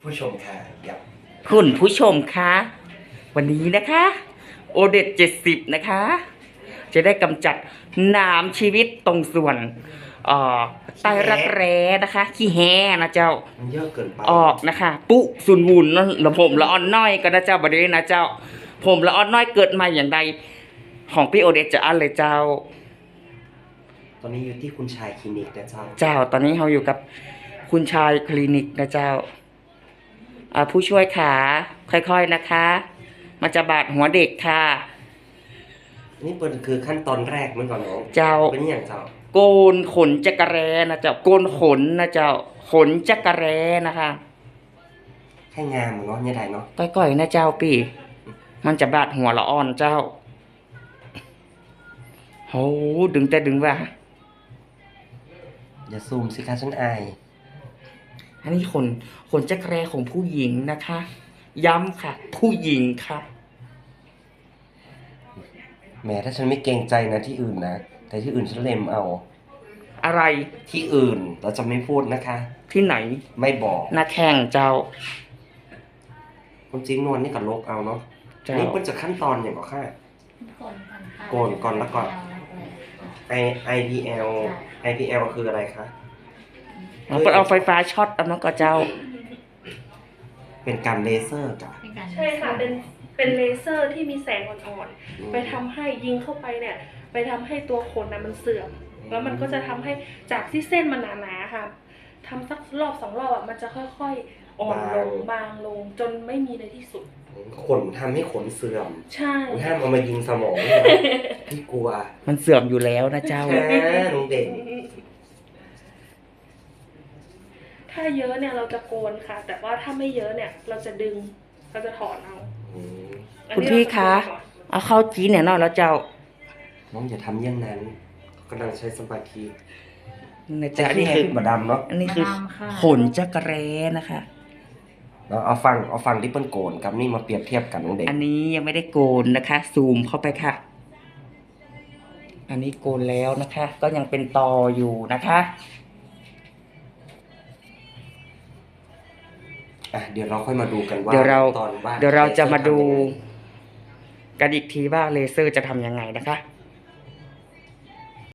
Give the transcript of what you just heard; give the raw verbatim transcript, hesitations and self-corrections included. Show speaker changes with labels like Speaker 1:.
Speaker 1: ผู้ชมค่ะยับ
Speaker 2: คุณผู้ชมคะวันนี้นะคะโอเด็ดเจ็ดสิบนะคะ จะได้กำจัดน้ำชีวิตตรงส่วนเอ่อใต้รักแร้นะคะขี้แห้นะเจ้า
Speaker 1: มันเยอะเกินไป
Speaker 2: ออกนะคะปุสุนวุนนั่นละผมละอ่อนน้อยก็นะเจ้าบริเวณนะเจ้า ผมละอ่อนน้อยเกิดมาอย่างใดของพี่โอเดตจะอันเลยเจ้า
Speaker 1: ตอนนี้อยู่ที่คุณชายคลินิกนะเจ้า
Speaker 2: เจ้าตอนนี้เราอยู่กับคุณชายคลินิกนะเจ้าอ่าผู้ช่วยขาค่อยๆนะคะมันจะบาดหัวเด็กค่ะ
Speaker 1: นี่เป็นคือขั้นตอนแรกมันก่อนน้อง
Speaker 2: เจ้า
Speaker 1: เป็นอย่างเจ้า
Speaker 2: โกนขนจักรแร้นะเจ้าโกนขนนะเจ้าขนจักรแร้นะคะ
Speaker 1: แค่งามเนาะเนี่ยได้เนาะ
Speaker 2: ก้อยๆนะเจ้าปีมันจะบาดหัวละอ่อนเจ้าโหดึงแต่ดึงว่า
Speaker 1: อย่าซูมสิคะฉันอาย
Speaker 2: อันนี้ขนขนจักรแร้ของผู้หญิงนะคะ ย้ำค่ะ ผู้หญิงค่ะ
Speaker 1: แหมถ้าฉันไม่เกรงใจนะที่อื่นนะแต่ที่อื่นฉันเล็มเอา
Speaker 2: อะไร
Speaker 1: ที่อื่นเราจะไม่พูดนะคะ
Speaker 2: ที่ไหน
Speaker 1: ไม่บอก
Speaker 2: หน้าแข้งเจ้า
Speaker 1: คุณจริงนวลนี่กับลกเอาเนาะนี่เป็นจากขั้นตอนอย่างบอกค่ะโกนก่อนแล้วก่อน I ไอ พี แอล ไอ พี แอล คืออะไรคะ
Speaker 2: มันก็เอาไฟฟ้าช็อตเอามันก็เจ้า
Speaker 1: เป็นการเลเซอร์จ้ะ
Speaker 3: ใช่ค่ะเป็นเป็นเลเซอร์ที่มีแสงอ่อนๆไปทำให้ยิงเข้าไปเนี่ยไปทำให้ตัวขนนะมันเสื่อมแล้วมันก็จะทำให้จากที่เส้นมันหนาๆค่ะทำสักรอบสองรอบอ่ะมันจะค่อยๆอ่อนลงบางลงจนไม่มีในที่สุด
Speaker 1: ขนทำให้ขนเสื่อม
Speaker 3: ใช่
Speaker 1: ห้ามเอามายิงสมองนะพี่กลัว
Speaker 2: มันเสื่อมอยู่แล้วนะเจ้า
Speaker 1: แค่ลุงเด่น
Speaker 3: ถ้าเยอะเนี่ยเราจะโกนค่ะแต่ว่าถ้าไม่เยอะเนี่ยเราจะดึงเราจะถอนเอา
Speaker 2: คุณพี่คะเอาเข้าจีเนี่ยเนาะแล้วเจ้า
Speaker 1: น้องอย่าทำอย่างนั้นกำลังใช้สมาธิ
Speaker 2: นะจ๊ะนี่คือ
Speaker 1: มาดำเนาะ
Speaker 2: อันนี้คือขนจักรแร้นะคะ
Speaker 1: เราเอาฟังเอาฟังที่เปิ้ลโกนกับนี่มาเปรียบเทียบกันน้องเด็ก
Speaker 2: อันนี้ยังไม่ได้โกนนะคะ ซูมเข้าไปค่ะอันนี้โกนแล้วนะคะ ก็ยังเป็นตออยู่นะคะ
Speaker 1: อ่ะเดี๋ยวเราค่อยมาดูกันว่า
Speaker 2: เดี๋ยวเรา
Speaker 1: ตอนว่า
Speaker 2: เดี๋ยวเราจะมาดูกันอีกทีว่าเลเซอร์จะทำยังไงนะคะ